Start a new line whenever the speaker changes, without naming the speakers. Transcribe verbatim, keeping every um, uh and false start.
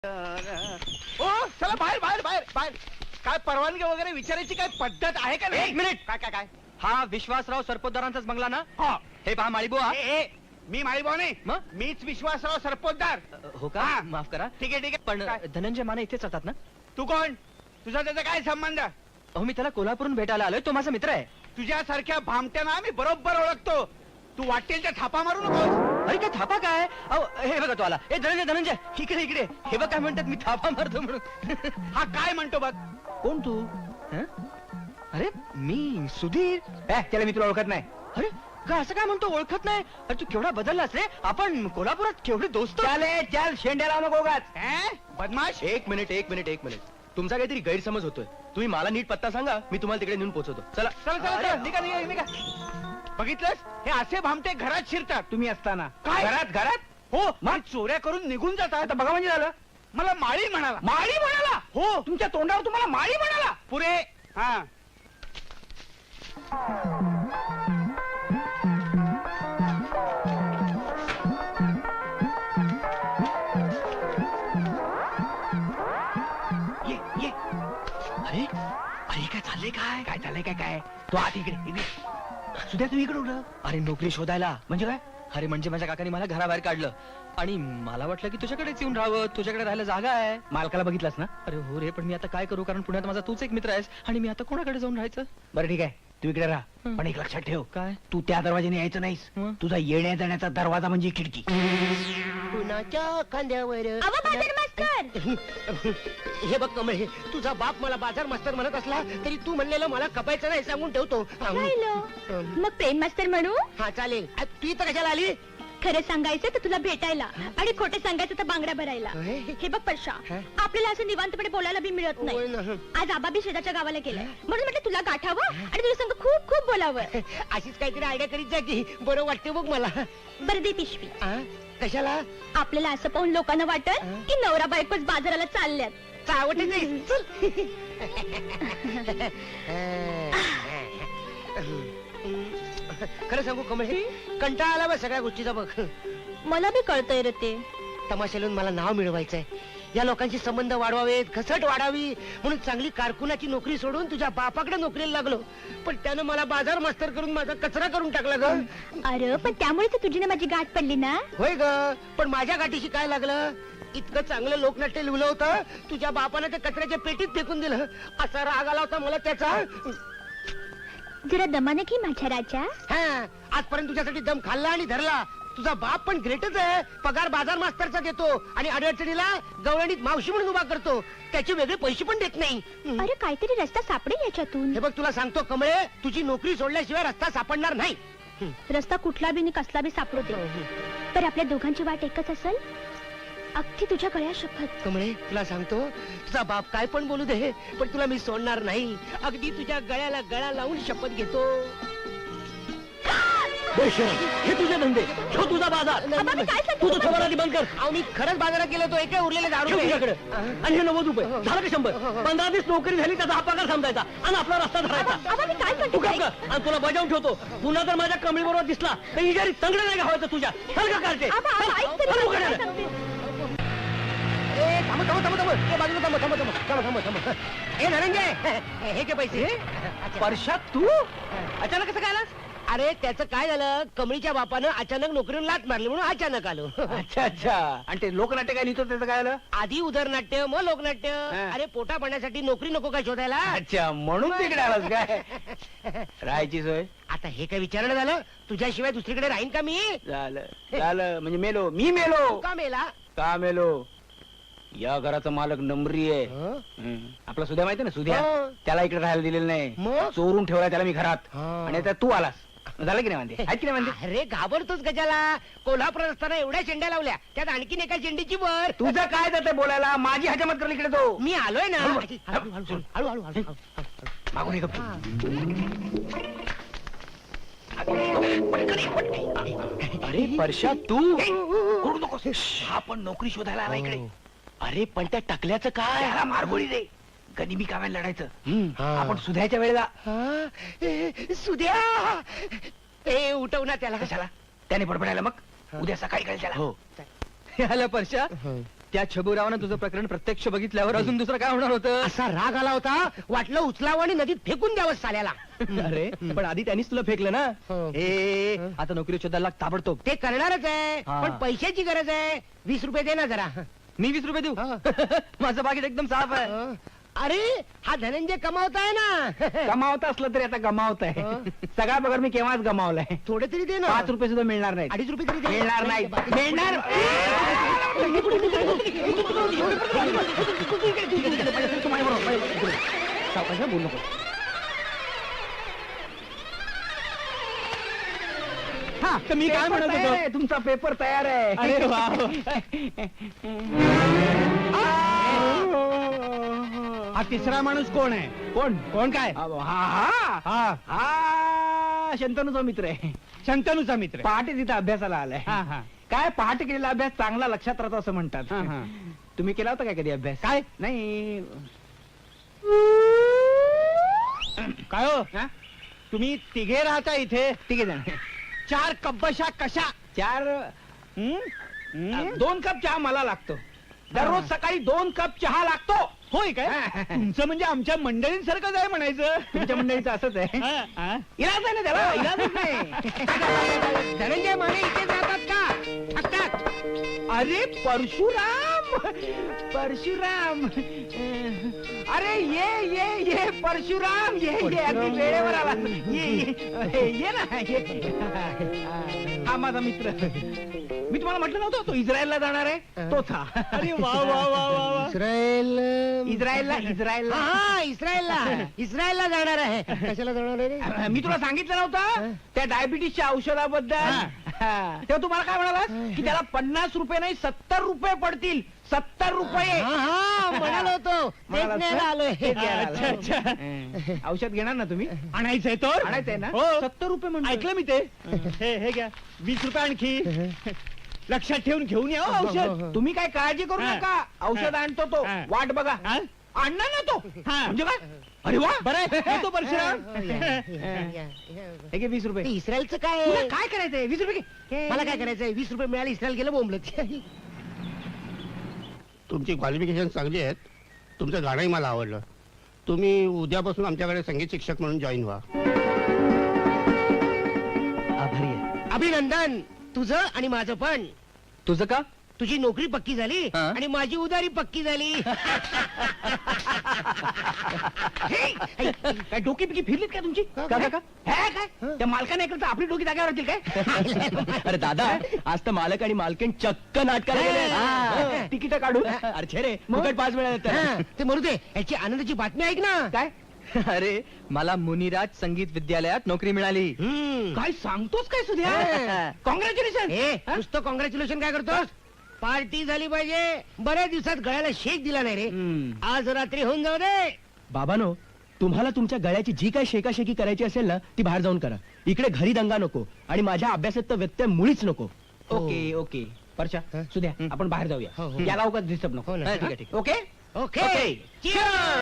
ओ चला बाहेर बाहेर बाहेर बाहेर. काय परवानगी वगैरे विचारायची काय पद्धत आहे का नाही?
एक मिनिट.
काय काय काय
हा विश्वासराव सरपोतदारांचाच बंगला ना?
हा.
हे पहा माळीबुवा.
ए, ए, मी माळीभाऊ नाही
मग?
मीच विश्वासराव सरपोतदार.
हो का?
हा.
माफ करा.
ठीक आहे ठीक आहे
पण
काय?
धनंजय माने इथेच राहतात ना?
तू कोण? तुझा त्याचा काय संबंध?
अहो मी त्याला कोल्हापूरून भेटायला आलोय. तो माझा मित्र आहे.
तुझ्यासारख्या भामट्यांना मी बरोबर ओळखतो. तू वाटेल त्या थापा मारू नकोस.
अरे काय थापा काय? अहो हे बघा तो आला. ए धनंजय धनंजय इकडे इकडे. हे बघ काय म्हणतात मी थापा मारतो म्हणून.
हा काय म्हणतो बघ.
कोण तू? हं? अरे मी सुधीर.
ए, त्याला मी तुला ओळखत नाही.
अरे का असं काय म्हणतो? ओळखत नाही? अरे तू केवढा बदललास रे. आपण कोल्हापुरात केवढे दोस्त.
चाले चाल शेंड्या लावू नको उगाच. ए, बदमाश.
एक मिनिट एक मिनिट एक मिनिट. तुमचा काहीतरी गैरसमज होतोय. तुम्ही मला नीट पत्ता सांगा, मी तुम्हाला तिकडे नेऊन पोहोचवतो. चला
चला चला चला निघा निघा निघा. बघितलंस हे असे भामटे घरात शिरतात तुम्ही असताना. काय घरात घरात? हो मग चोऱ्या करून निघून जातात. आता बघा म्हणजे झालं मला माळी म्हणाला. माळी म्हणाला? हो तुमच्या तोंडावर तुम्हाला माळी म्हणाला. पुरे हा ये ये.
अरे अरे काय चाललंय? काय
काय चाललंय काय काय तू आत इकडे इकडे. सुद्धा तू इकडे उडलं
अरे नोकरी शोधायला.
म्हणजे काय?
अरे म्हणजे माझ्या काकाने मला घराबाहेर काढलं आणि मला वाटलं की तुझ्याकडेच येऊन राहावं. तुझ्याकडे राहायला जागा आहे.
मालकाला बघितलंस ना?
अरे हो रे, पण मी आता काय करू? कारण पुण्यात माझा तूच एक मित्र आहेस आणि मी आता कोणाकडे जाऊन राहायचं?
बरं ठीक आहे तू इकडे राहा.
हं.
पण एक लक्षात ठेव
काय?
तू त्या दरवाजाने यायचं नाहीस.
हं.
तुझा येण्या जाण्याचा दरवाजा म्हणजे खिडकी.
कुणाच्या खांद्यावर
अहो, बाजार मास्तर!
हे बघ कमळे, तुझा बाप मला बाजार मास्तर म्हणत असला तरी तू म्हणलेलं मला कपायचं नाही सांगून ठेवतो.
राहिलं. मग प्रेम मास्तर म्हणू?
हा चालेल. आ, तू इथं कशाला आली?
खरं सांगायचं तर तुला भेटायला आणि खोटं सांगायचं तर बांगड्या भरायला.
अहे.
हे बघ परशा,
हा?
आपल्याला असं निवांतपणे बोलायला बी मिळत
होय
नाही.
ना.
आज आबा बी शेजारच्या गावाला गेलाय म्हणून म्हटलं तुला गाठावं आणि तुझ्या संग खूप खूप बोलावं.
अशीच काहीतरी आयडिया करीत जा की बरं वाटते बघ मला.
बरं दे पिशवी.
आ? कशाला?
आपल्याला असं पाहून लोकांना वाटत
हा?
की नवरा बायकोच बाजाराला चालल्यात.
चावटे नाही. चल. खरं सांगू कमळे, कंटाळा आला बा सगळ्या गोष्टीचा बघ.
मला बी कळतंय रे ते.
तमाशालून मला नाव मिळवायचंय. या लोकांशी संबंध वाढवावेत, घसट वाढावी म्हणून चांगली कारकुनाची नोकरी सोडून तुझ्या बापाकडे नोकरीला लागलो. पण त्यानं मला बाजार मास्तर करून माझा कचरा करून टाकला ग.
अरे पण त्यामुळे तर तुझी ना माझी गाठ पडली ना.
होय ग, पण माझ्या गाठीशी काय लागलं? इतकं चांगलं लोकनाट्य लिहिलं होतं, तुझ्या बापानं ते कचऱ्याच्या पेटीत फेकून दिलं. असा राग आला होता मला त्याचा.
जरा दमाने की माझ्या राजा.
हा, आजपर्यंत तुझ्यासाठी दम खाल्ला आणि धरला. तुझा बाप पण ग्रेटच आहे. पगार बाजार मास्तरचा देतो आणि अडचणीला गवळणीत मावशी म्हणून उभा करतो. त्याचे वेगळे पैसे पण देत नाही.
अरे काहीतरी रस्ता सापडेल याच्यातून.
हे बघ तुला सांगतो कमळे, तुझी नोकरी सोडल्याशिवाय रस्ता सापडणार नाही.
रस्ता कुठला बी आणि कसला बी सापडू दे, तर आपल्या दोघांची वाट एकच असेल. अगदी तुझ्या गळ्या शपथ.
कमळे तुला सांगतो, तुझा बाप काय पण बोलू दे, पण तुला मी सोडणार नाही. अगदी तुझ्या गळ्याला गळा लावून शपथ घेतो.
हे तुझे धंदे, ठेव तुझा बाजार.
आबा, मी काय सांगते
तू तो ठेवायला आधी बंद कर.
अहो मी खरंच बाजारात गेलो तो एका उरलेले दारू
ठेव तुझ्याकडे.
हा?
आणि हे नव्वद रुपये
हो.
झालं का शंभर? पंधरा दिवस नोकरी झाली त्याचा हा पगार समजायचा आणि आपला रस्ता धरायचा.
आबा, मी काय
तू
करते?
काम कर आणि तुला बजावून ठेवतो. पुन्हा जर माझ्या कमळी बरोबर दिसला तर इजारी तंगड नाही घावायचं तुझ्या. चल का काढते?
आबा, आबा, ऐक तरी
चल,
मला काय
उघड.
सांगते.
ए थांब थांब थांब थांब ए बाजूला थांब थांब थांब थांब थांब थांब ए धनंजय, हे घे पैसे. अच्छा.
परशात तू अचानक कसं काय आलास?
अरे त्याचं काय झालं, कमळीच्या बापानं अचानक नोकरीवर लात मारली म्हणून अचानक आलो.
अच्छा अच्छा. आणि ते लोकनाट्य काय लिहितो त्याचं काय आलं?
आधी उदरनाट्य मग लोकनाट्य.
हा.
अरे पोटा पाण्यासाठी नोकरी नको काय शोधायला?
अच्छा म्हणून तिकडे आलास काय? राहायची सोय
आता हे काय विचारणं झालं? तुझ्याशिवाय दुसरीकडे राहीन का मी?
झालं झालं म्हणजे मेलो मी मेलो.
तू का मेला?
का मेलो? या घराचा मालक नंबरी आहे.
हं?
हं. आपला सुद्या माहिती ना सुद्या,
हो.
त्याला इकडे राहायला दिलेलं नाही.
मग?
चोरून ठेवला त्याला मी घरात.
हा.
आणि आता तू आलास. झालं की नाही म्हणते? आहेत की नाही म्हणते?
अरे घाबरतोच गजाला. कोल्हापुरात असताना एवढ्या शेंड्या लावल्या, त्यात आणखीन एका शेंडीची वर.
तुझं काय जाते बोलायला? माझी हजामत कर इकडे तो.
मी आलोय ना.
हळू,
हळू हळू हळू हळू हळू हळू हळू.
मागून ये गप्प. अरे परशा तू ओरडू नकोस. हा पण नोकरी शोधायला आला इकडे. अरे पण त्या टकल्याचं काय? त्याला मारगोळी दे. गनिमी कामाला लढायचं.
हा.
आपण सुधायच्या वेळेला
हा? ए, सुद्या ए उठव ना त्याला.
कशाला? त्याने बडबडायला मग उद्या सकाळी कळेल त्याला.
हो. आलं परशा. त्या छबुरावानं तुझं प्रकरण प्रत्यक्ष बघितल्यावर अजून दुसरं काय होणार होतं?
असा राग आला होता वाटलं उचलावं आणि नदीत फेकून द्यावं साल्याला.
अरे पण आधी त्यांनीच तुला फेकलं ना.
हो.
ए आता नोकरी शोधायला लाग ताबडतोब.
ते करणारच आहे
हा.
पण पैशाची गरज आहे. वीस रुपये दे ना जरा.
मी वीस रुपये देऊ?
हा.
माझं बाकीत एकदम साफ आहे.
हं. अरे हा धनंजय कमावताय ना.
गमावत असलं तरी आता गमावत आहे.
हं.
सगळा पगार मी केव्हाच गमावलाय.
थोडे तरी दे ना.
पाच रुपये सुद्धा मिळणार नाही.
अडीच रुपये तरी दे.
मिळणार नाही. मिळणार सावकाश बोलू नको. हा तर मी काय म्हणत होतो, तुमचा पेपर तयार आहे. अरे वा. हा तिसरा माणूस कोण आहे? कोण कोण काय? हा हा हा हा शंतनूचा मित्र आहे. शंतनूचा मित्र पहाटे तिथे अभ्यासाला आलाय. काय पहाटे केलेला अभ्यास चांगला लक्षात राहतो असं म्हणतात. तुम्ही केला होता काय कधी अभ्यास? काय नाही काय हो तुम्ही तिघे राहता इथे? तिघे जण. चार कब्बशा कशा? चार हं? हं? दोन कप चहा मला लागतो. दररोज सकाळी दोन कप चहा लागतो. होय काय? तुमचं म्हणजे आमच्या मंडळींसारखंच आहे म्हणायचं. तुमच्या मंडळीचं असंच आहे. इलाज आहे ना त्याला, इलाजच नाही.
धनंजय माने इथेच राहतात का? थकतात.
अरे परशुराम परशुराम अरे ये ये ये परशुराम ये ये अगदी वेळेवर आला. ये ये ये ना ये. हा माझा मित्र. मी तुम्हाला म्हटलं नव्हतं तो इस्रायलला जाणार आहे. तोच हा. अरे वा वा वा वा वा.
इस्रायल
इस्रायलला इस्रायलला
हा इस्रायलला इस्रायलला जाणार आहे. कशाला जाणार आहे?
मी तुला सांगितलं नव्हतं त्या डायबिटीसच्या औषधाबद्दल. तेव्हा तुम्हाला काय म्हणाला की त्याला पन्नास रुपये नाही सत्तर रुपये पडतील. सत्तर रुपये
हा हा म्हणालो होतो. तेच न्यायला आलोय.
अच्छा अच्छा. औषध घेणार ना तुम्ही? आणायचंय तो आणायचंय ना? सत्तर रुपये म्हणून ऐकलं मी ते. हे हे घ्या वीस रुपये आणखी. लक्षात ठेवून घेऊन या हो औषध. तुम्ही काय काळजी करू नका. औषध आणतो तो. वाट बघा. आणणार ना तो. म्हणजे काय? अरे वा बरं तो परशुराम. हे घे वीस रुपये.
इस्रायलचं काय?
तुला काय करायचंय? वीस रुपये घे.
मला काय करायचंय? वीस रुपये मिळाले इस्रायल गेलं बोंबलत.
तुमची क्वालिफिकेशन चांगली आहेत. तुमचं गाणंही मला आवडलं. तुम्ही उद्यापासून आमच्याकडे संगीत शिक्षक म्हणून जॉईन व्हा.
आभारी आहे.
अभिनंदन तुझं आणि माझं पण.
तुझं का?
तुझी नोकरी पक्की झाली
हा?
आणि माझी उदारी पक्की झाली.
काय डोकी पिकी फिरलीत काय तुमची?
का,
का
काय?
का हे काय त्या मालकाने ऐकलं तर आपली डोकी जागेवर राहतील काय?
अरे दादा आज तर मालक आणि मालकीण चक्क नाटकाला गेले.
तिकीट काढू.
अरे रे फुकट पाच वेळा
हा,
येतात.
ते म्हणू दे. याची आनंदाची बातमी ऐक ना.
काय
अरे मला मुनिराज संगीत विद्यालयात नोकरी मिळाली.
हम्म.
काय सांगतोस काय सुद्या?
हा.
कॉंग्रॅच्युलेशन.
ए, नुसतं कॉंग्रॅच्युलेशन काय करतोस? पार्टी झाली पाहिजे. बऱ्याच दिवसात गळ्याला शेक दिला नाही रे. आज रात्री होऊन जाऊ दे.
बाबानो तुम्हाला तुमच्या गळ्याची जी काय शेकाशेकी करायची असेल ना ती बाहेर जाऊन करा. इकडे घरी दंगा नको आणि माझ्या अभ्यासात तर व्यत्यय मुळीच नको.
ओके ओके परशा
हा?
सुद्या
हं.
आपण बाहेर जाऊया.
हो, हो.
याला उगाच डिस्टर्ब नको.
हो ना.
हा, ठीक आहे, ठीक आहे.
Okay
okay. Cheers.